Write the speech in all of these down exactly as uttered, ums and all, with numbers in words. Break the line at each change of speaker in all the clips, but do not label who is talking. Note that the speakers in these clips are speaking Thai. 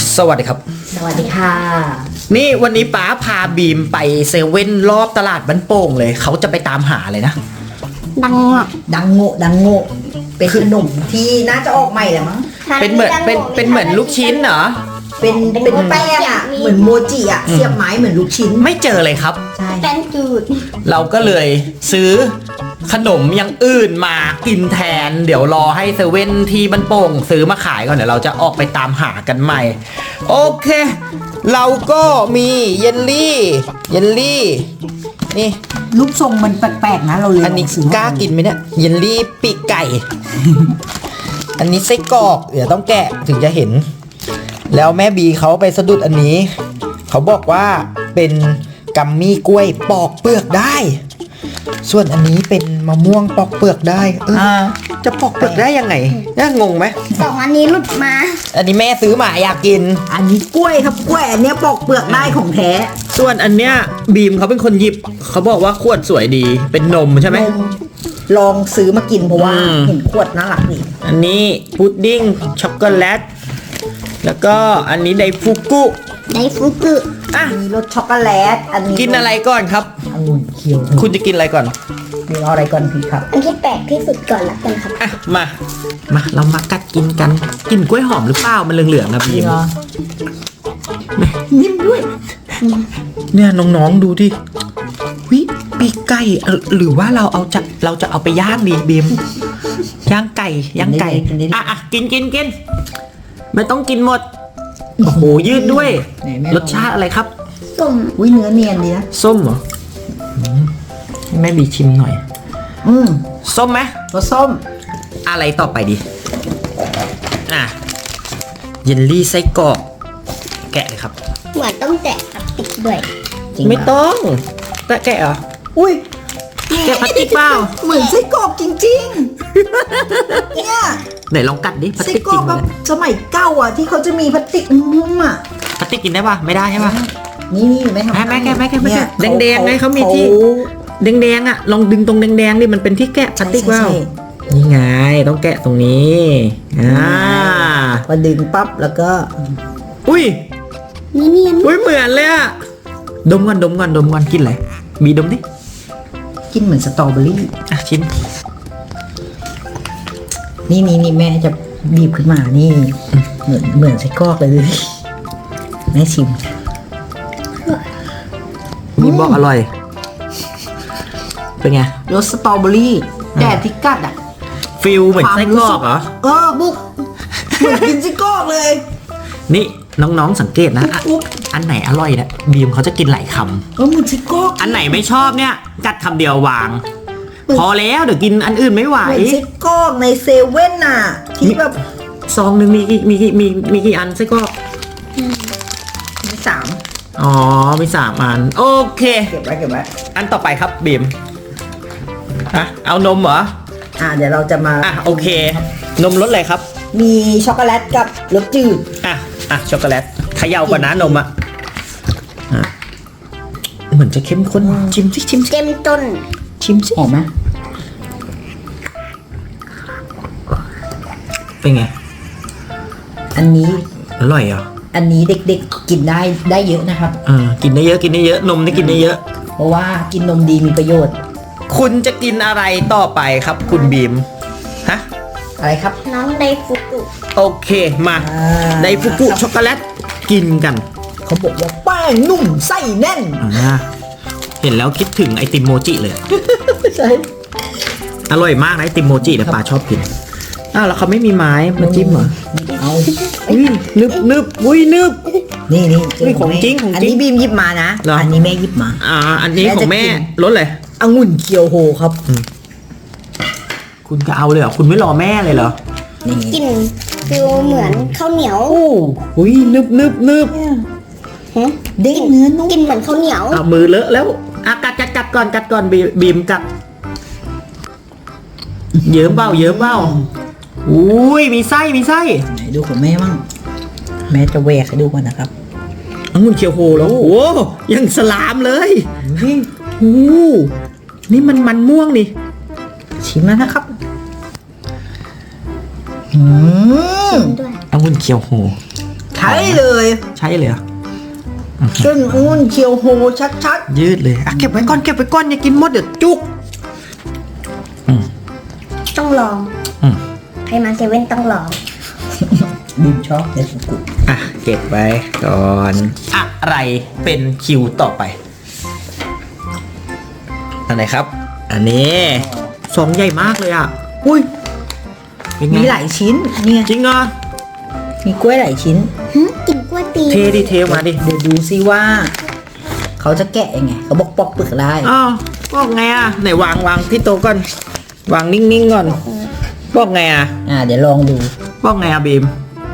สวัสดีครับ
สวัสดีค่ะ
นี่วันนี้ป๋าพาบีมไปเซเว่นรอบตลาดบ้านโป่งเลยเขาจะไปตามหาเลยนะ
ดังโง่ดังโง่ดังโง่เป็นขนมที่น่าจะออกใหม่แหละมั้ง
เป็นเหมือนเป็นเป็นเหมือนลูกชิ้นเหรอ
เป็นเป็นแป้งอ่ะเหมือนโมจิอ่ะเสียบไม้เหมือนลูกชิ้น
ไม่เจอเลยครับ
ใช่
แป้งจืด
เราก็เลยซื้อขนมอย่างอื่นมากินแทนเดี๋ยวรอให้เซเว่นที่บ้านโป่งซื้อมาขายก่อนเดี๋ยวเราจะออกไปตามหากันใหม่โอเคเราก็มีเยลลี่เยลลี่นี่
รูปทรงมันแปลกๆนะเราเลย
อันนี้กล้ากินไหมเนี่ยเยลลี่ปีกไก่ อันนี้ไส้กรอกเดี๋ยวต้องแกะถึงจะเห็นแล้วแม่บีเขาไปสะดุดอันนี้เขาบอกว่าเป็นกัมมี่กล้วยปอกเปลือกได้ส่วนอันนี้เป็นมะม่วงปอกเปลือกได้เออจะปอกเปลือกได้ยังไงน่างงไหม
สองอันนี้หลุดมา
อันนี้แม่ซื้อมาอยากกิน
อันนี้กล้วยครับกล้วยอันนี้ปอกเปลือกได้ของแท้
ส่วนอันเนี้ยบีมเขาเป็นคนหยิบเขาบอกว่าขวดสวยดีเป็นนมใช่ไหม
ลองซื้อมากินเพราะว่าเห็นขวดน่ารักดี
อันนี้พุดดิ้งช็อกโกแลตแล้วก็อันนี้ไดฟุกุ
ไดฟุกุ
อ่ะ
มีรสช็อกโกแลตอันนี้
กินอะไรก่อนครับ
องุ่นเขียว
คุณจะกินอะไรก่อน
มีอะไรก่อนพี่ครับ
อันที่แปลกที่สุดก่อนละกันครับ
อ่ะมามาเรามากัดกินกันกินกล้วยหอมหรือเปล่ามันเหลืองๆนะบีม
นิ่มด้วย
เนี่ยน้องๆดูดิวิปีกไก่หรือว่าเราเอาจะเราจะเอาไปย่างดีบีมย่างไก่ย่างไก่อ่ะอ่ะกินกินกินไม่ต้องกินหมดโอ้โหยืดด้วยรสชาติอะไรครับ
ส้ม
อุ้ยเนื้อเนียนดีนะ
ส้มเหรอแม่บีชิมหน่อย
อืม
ส้มไหม
รสส้ม
อะไรต่อไปดีอ่ะเยลลี่ไส้กรอกแกะเลยครับ
เหมือนต้องแกะพลาสติกด้วย
ไม่ต้องแกะแกะเหรอ
อุ้ย
แกะพลาสติกเปล่า
เหมือนไส้กรอกจริงๆเนี่ย
ไหนลองกัดดิพลาสติก
จริงแบบสมัยเก่าอ่ะที่เขาจะมีพลาสติกนุ่มอ่ะ
พลาสติกกินได้ป่ะไม่ได้ใช่ป่ะ
นี่นี่ไม่ทำ
แม่แกะแม่แกะแม่แกะแดงแดงไงเขามีที่แดงแดงอ่ะลองดึงตรงแดงแดงดิมันเป็นที่แกะพลาสติกเปล่านี่ไงต้องแกะตรงนี้อ่า
พอดึงปั๊บแล้วก็
อุ้ย
เนียน
อุ้ยเหมือนเลยอ่ะดมก่อนดมก่อนดมก่อนกินอะไรบีดมดิ
กินเหมือนสตรอเบอรี่
อ่ะชิม
นี่นี่นี่แม่จะบีบขึ้นมานี่เหมือนเหมือนไส้กรอกเลยแม่ชิม
บีบอกอร่อยเป็นไง
รสสตรอเบอรี่แต่ที่กัดอ่ะ
ฟิลเหมือนไส้กรอกเหรอ
เออบุกเหมือนกินไส้กรอกเลย
นี่น้องๆสังเกตนะอันไหนอร่อยนะบีมเขาจะกินหลายคำ
เออเหมือนไส้กรอก
อันไหนไม่ชอบเนี่ยกัดคำเดียววางพอแล้วเดี๋ยวกินอันอื่นไม่ไหว
เหมือนไส้กรอกในเซเว่นน่ะที่แบบ
ซองหนึ่งมีกี่มีกี่มีมีกี่อันไส้กรอก
มีสาม
อ๋อมีสามอันโอเค
เก็บไว้เก็บไว้
อันต่อไปครับบีมอ่ะเอานมเหรอ
อ่ะเดี๋ยวเราจะมา
อ่ะโอเคนมรสอะไรครับ
มีช็อกโกแลตกับรสจืด
อ่ะอ่ะช็อกโกแลตเขย่าก่อนนะนมอ่ะเหมือนจะเข้มข้นชิมสิชิม
เต็มต้น
ชิมสิ
หอมไหม
เป็นไง
อันนี้
อร่อยเหรอ
อันนี้เด็กๆกินได้ได้เยอะนะครับ
เออกินได้เยอะกินได้เยอะนมนี่กินได้เยอะ
เพราะว่ากินนมดีมีประโยชน์
คุณจะกินอะไรต่อไปครับคุณบีมฮะ
อะไรครับ
น้องไดฟุกุ
โอเคมาไดฟุกุช็อกโกแลตกินกัน
เขาบอกว่าแป้งนุ่มไส้แน่น
อ่าเห็นแล้วคิดถึงไอติมโมจิเลย
ใช่
อร่อยมากนะไอติมโมจิเนี่ยปลาชอบกินอ้าวแล้วเขาไม่มีไม้มาจิ้มเหรอ
เอา
อุ้ยนึบนึบอุ้ยนึบ
นี่นี่
นี่ของจริงของจริง
อันนี้บีมหยิบมานะอันนี้แม่หยิบมา
อ่าอันนี้ของแม่รสเลย
องุ่นเคียวโฮครับ
คุณจะเอาเลยเหรอคุณไม่รอแม่เลยเหรอ
กินฟิลเหมือนข้าวเหนียว
โอ้อุ้ยนึบนึบนึบ
ฮะ
เด้งเนื้อนุ่ม
กินเหมือนข้าวเหนียว
เอามือเลอะแล้วอ่ะกัดกัดกัดก่อนกัดก่อนบีมกัดเยิ้มเบ้าเยิ้มเบ้าอุ้ยมีไส้มีไส้
ไหนดูของแม่บ้างแม่จะแหวกให้ดูก่อนนะครับ
องุ่นเคียวโฮแล้วโอ้ยังสลามเลยโอ้นี่มันมันม่วงนี่
ชิมแล้วนะครับอืม
ชิมด้วย
องุ่นเคียวโฮ
ใช่เลย
ใช่เลยเหรอ
เส้นอ้วนเคียวโฮชัด
ยืดเลยอ่ะเก็บไว้ก่อนเก็บไว้ก่อนอย่ากินหมดเดี๋ยวจุกอืม
ต้องลอง
อืม
ใครมาเซเว่นต้องลอง
ๆบีมชอบเนสกุ
อ่ะเก็บไว้ก่อนอะไรเป็นคิวต่อไปอันไหนครับ อันนี้ซองใหญ่มากเลยอ่ะอุ้ยเป็นไง
มีหลายชิ้นเนี่ย
จริงเหรอ
มีกล้วยหลายชิ้น
หึกินกล้วยตี
เทดิเทมาดิ
เดี๋ยวดูซิว่า เขาจะแกะยังไงเขาบอกปอกเปลือกได้
อ้าวบอกไงอ่ะไหนวางวางที่โต๊ะก่อนวางนิ่งๆก่อนบอกไงอ่ะ
อ่าเดี๋ยวลองดู
บอกไงอ่ะบีม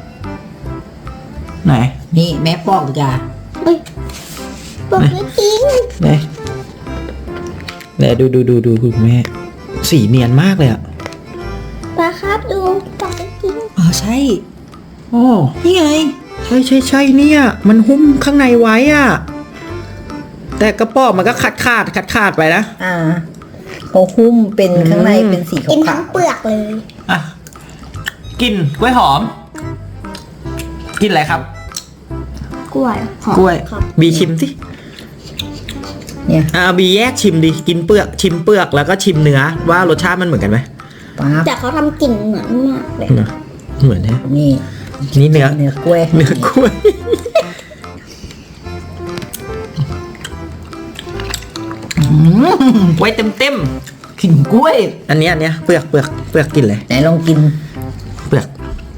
ไหน
นี่แม่ปอกดีกว่า
เอ้ยบอกไม่จริง
ไหนไหนดูดูดูดูคุณแม่สีเนียนมากเลยอ่ะ
ปลาครับดูบอกไม่จริง
อ๋อใช่
โอ้
นี่ไง
ใช่ใช่ใช่เนี่ยมันหุ้มข้างในไว้อ่ะแต่กระป๋องมันก็ขาดขาดขาดขาดไปนะ
อ่าเขาหุ้มเป็นข้างใน
อืม
เป็นสี
กิน
ขา
ทั้ง
ว
เปลือกเลย
อ่ะกินกล้วยหอม กินอะไรครับ
กล้วยหอม
กล้วย
ครับ
บีชิมสิ
ๆเนี่ย
อ่าบีแยกชิมดิกินเปลือกชิมเปลือกแล้วก็ชิมเนื้อว่ารสชาติมันเหมือนกันไหม
ป๊าบ
แต่เขาทำกลิ่นเหมือนมากเลย
เหรอเหมือนเนี่ย
นี่
นี่เนื้อ
เนื้อกล้วย
เนื้อกล้วยไว้เต็มเต็ม
กลิ่นกล้วย
ๆอันเนี้ยอันเนี้ยเปลือกเปลือกเปลือกกินเลย
ไหนลองกิน
เปลือก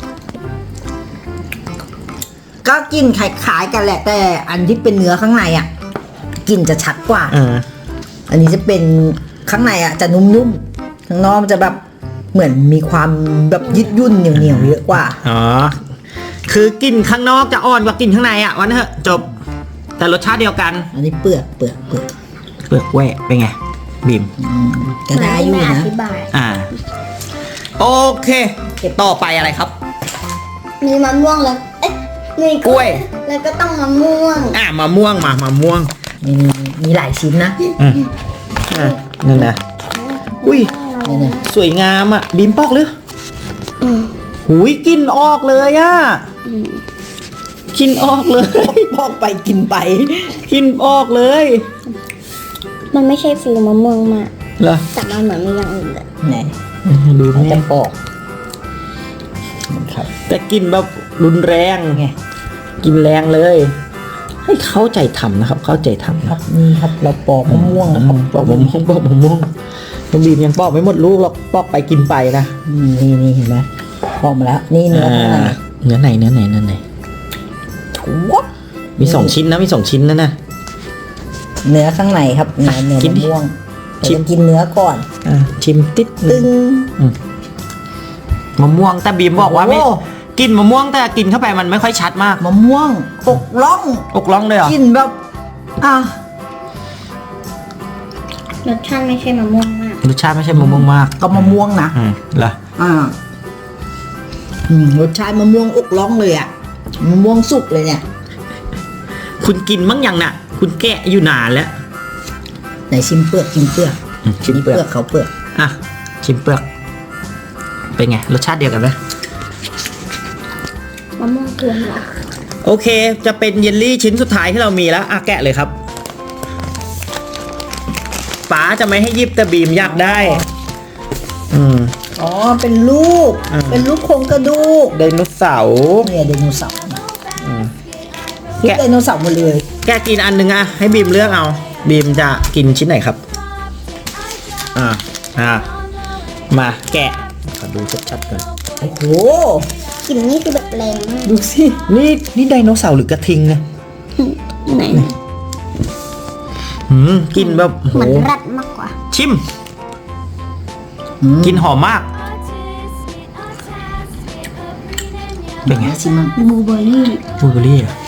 ก็กลินคล้ายๆกันแหละ แต่อันที่เป็นเนื้อข้างในอ่ะกลิ่นจะชัดกว่า
อ่า
อันนี้จะเป็นข้างในอ่ะจะนุ่มๆข้างนอกมันจะแบบเหมือนมีความแบบยืดยุ่นเหนียวๆเยอะกว่า
อ๋อคือกินข้างนอกจะอ่อนกว่ากินข้างในอ่ะวันนั้นเถอะจบ แต่รสชาติเดียวกัน
อันนี้เปลือกเปลือกเปลือก
เปลือกแหวะเป็นไงบีม
อืมก็ได้อยู่
เหมืน
นะ
ที่แม่อธิบาย
อ่า โอเค ต่อไปอะไรครับ
มีมะม่วงแล้วเอ๊ะมี
กล้วย
แล้วก็ต้องมะม่วง
อ่ามะม่วงมามะม่วง
มีมีหลายชิ้นนะ
อืมอ่ะนั่นนะอุ้ย
เนี่ยเนี่ย
สวยงามอ่ะบีมปอกหรือ
อืม
หุยกินออกเลยอ่ะ
อืม
กินออกเลย
พอกไปกินไป
กินออกเลย
มันไม่ใช่ฟิลมะม่วงมาก
เหรอ
แต่มันเหมือนมีอย่างอื่นเลย
ไหน
ดู
เขา
แม่
จะปอกครับ
แต่กินแบบรุนแรง
ไง
กินแรงเลย ให้เข้าใจทำนะครับ เข้าใจทำ
ครั
นะ
บนี่ครับเราปอกมะม่วงนะครับ
ปอกมะม่วงปอกมะม่วงน้องบีมยังปอกไม่หมดลูกหรอกปอกไปกินไปนะ
อืมนี่นี่เห็นไหมปอกมาแล้ว นี่เนื้อข้างใน
อ่าเนื้อไหนเนื้อไหนเนื้อไหน
ถั่ว
มีสองชิ้นนะมีสองชิ้นนะนะ
เนื้อข้างในครับเนื้อเนื้อ
กิน
มะ
ดิ
ม่วง
ชิ
เรา
ม
จะกินเนื้อก่อน
อ่าชิมติดห
ตึ
นึ่ง
ง
มะม่วงแต่บีมบอกว่าไม่
โอ้
กินมะม่วงแต่กินเข้าไปมันไม่ค่อยชัดมาก
มะม่วงอกล่อง
อกร้องเลยเหรอ
กินแบบอ่ะ
รสชาติไม่ใช่มะม่วงมาก
รสชาติไม่ใช่มะม่วงมาก
ก็มะม่วงนะ
อืมเหรอ
อ่าอืมรสชาติมะม่วงอกล่องเลยอ่ะมะม่วงสุกเลยเนี่ย
คุณกินมั้งยังน่ะ คุณแกะอยู่นานแล้ว
ไหนชิมเปลือกชิมเปลือก
อืมชิมเปลือก
เขาเปลือก
อ่ะชิมเปลือกเป็นไงรสชาติเดียวกันไหม
มะม่วงกวนเหรอ
โอเค จะเป็นเยลลี่ชิ้นสุดท้ายที่เรามีแล้วอ่ะแกะเลยครับป๋าจะไม่ให้ยิบแต่บีมอยากได้ อืม
อ๋อเป็นลูก
อ่า
เป็นลูกโครงกระดูก
ไดโนเสาร์
เนี่ยไดโนเสาร์
อืม
ลูก
แกะ
ไดโนเสาร์หมดเลย
แกะกินอันหนึงอ่ะให้บีมเลือกเอา บีมจะกินชิ้นไหนครับ อ่าอ่ามาแกะขอดูชัดๆก่อน
โอ้โห
กลิ่นนี่คือแบบแรงมาก
ดูสิ
นี่นี่ไดโนเสาร์หรือกระทิงเนี่ย
ไหน
หืมกินแบบโห
เหมือนรัดมากกว่า
ชิม
อืม
กินหอมมาก เป็นไง
ชิมมั้ง
บลูเบอร์รี่
บลูเบอร์รี่อ่ะ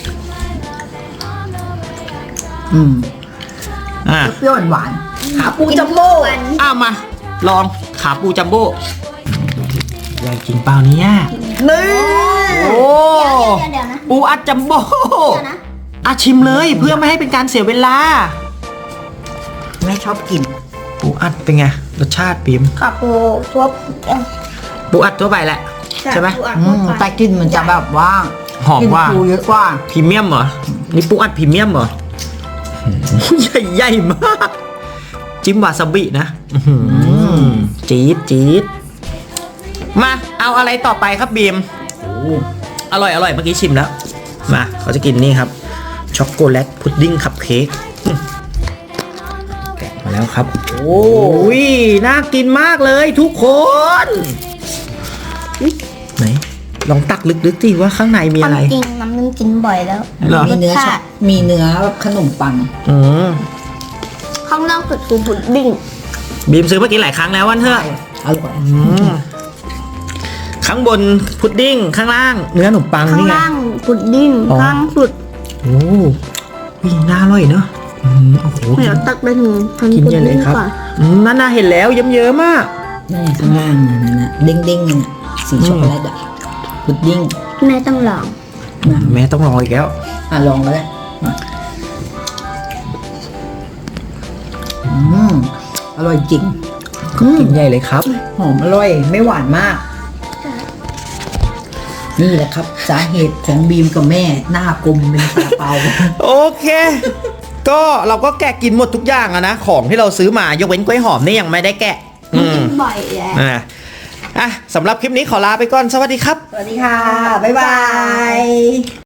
อืม
อ่ะ
เปรี้ยวหวานๆขาปูจัมโบ้
วัน
อ้ามา ลองขาปูจัมโบ้ยายกินเปล่าเนี่ย
นี่
โอ้
เดี๋ยวเดี๋ยวนะ
ปูอัดจัมโบ้
เดี๋ยวนะ
อ่ะชิมเลยเพื่อไม่ให้เป็นการเสียเวลา
แม่ชอบกิน
ปูอัดเป็นไงรสชาติปิม
ขับปูทั่วเอ้ย
ปูอัดทั่วไปแหละ ใช่ไหม
ปูอัด
อื
ทั่ว
ม
ไป
แต่กลินมันจะแบบว่า
หอม
กิน
ว่า
ปูเยอะกว่า
พรีเมียมเหรอ นี่ปูอัดพรีเมียมเหรอใหญ่ใหญ่มาก จิ้มวาซาบินะอื้อหือจี๊ดจี๊ดมาเอาอะไรต่อไปครับบีม
โอ้
อร่อยอร่อยเมื่อกี้ชิมแล้ว มาเขาจะกินนี่ครับ ช็อกโกแลตพุดดิ้งคัพเค้กอืมแกะมาแล้วครับ
โห
โอ้ยน่ากินมากเลยทุกคนไหนลองตักลึกๆสิว่าข้างในมี
ควา
อะ
ม
ไร
จริงน้ำนึ่งกินบ่อยแล้ว
เหรอ
มีเนื้อ
รส
ช็อ
ชา
ป
ติ
มีเนื้อแบบขนมปัง
อืม
ข้างนอกสุดคือพุดดิ้ง
บีมซื้อมากินหลายครั้งแล้ววันเถอะ
อร่อย
อืมข้างบนพุดดิ้งข้างล่าง เนื้อขนมปัง
ข้าง
นี่ไง
ล่างพุดดิ้ง
อ๋อ
ข้างสุด
โอ้ยน่าอร่อยเนอะอืมโอ้โห
เดี๋ยวตักไปถึงพัน
กิน
พุด
เยอะเล
ดิ้
ย
ง
ครับ
ก่อน
อืมนั่นน่าเห็นแล้วเยิ้มๆมาก
นี่ข้างล่างนั่นนะเด้งเด้งๆนั่นน่ะสีช็อกโกแลตอะพุดดิ้ง
แม่ต้องลอง
นะ
แม่ต้องรออีกแล้ว
อ่ะลองมาเลยมาอืมอร่อยจริงอืม
กินใหญ่เลยครับ
หอมอร่อยไม่หวานมาก นี่แหละครับ สาเหตุของบีมกับแม่หน้ากลมเป็นซาลาเปา
โอเค ก็เราก็แกะกินหมดทุกอย่างอะนะ ของที่เราซื้อมายกเว้นกล้วยหอมนี่ยังไม่ได้แกะ อืม
กินบ่อยแล้ว
อ่ะอ่ะสำหรับคลิปนี้ขอลาไปก่อน สวัสดีครับ
สวัสดีค่ะ บ๊ายบาย